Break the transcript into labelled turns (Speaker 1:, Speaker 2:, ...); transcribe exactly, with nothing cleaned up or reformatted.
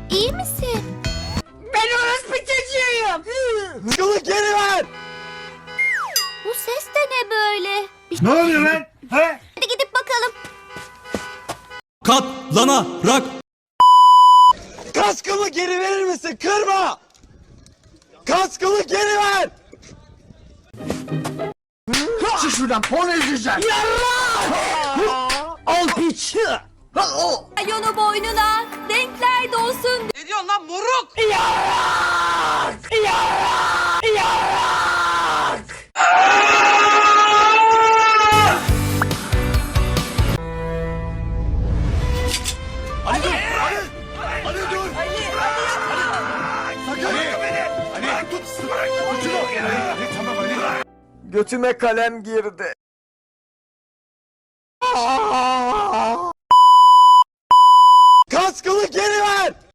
Speaker 1: iyi misin?
Speaker 2: Ben orospu çocuğuyum.
Speaker 3: Kaskımı geri ver.
Speaker 1: Bu ses de ne böyle? Bir
Speaker 4: Ne oluyor lan? He?
Speaker 1: Hadi gidip bakalım.
Speaker 5: Katlanarak.
Speaker 3: Kaskımı geri verir misin? Kırma. Kaskımı geri ver.
Speaker 4: Çık şuradan porno izleyeceğim.
Speaker 2: Al piç.
Speaker 1: Ay onu boynuna. Renkler dolsun.
Speaker 6: Ne diyorsun lan moruk?
Speaker 2: Yarak! Yarak! Yarak!
Speaker 3: Ali dur. Ali. Ali dur. Ali. Sakın. Ali. Ali. Tut. Tut. Ali tamam Ali. Götüme kalem girdi. Kaskımı geri ver.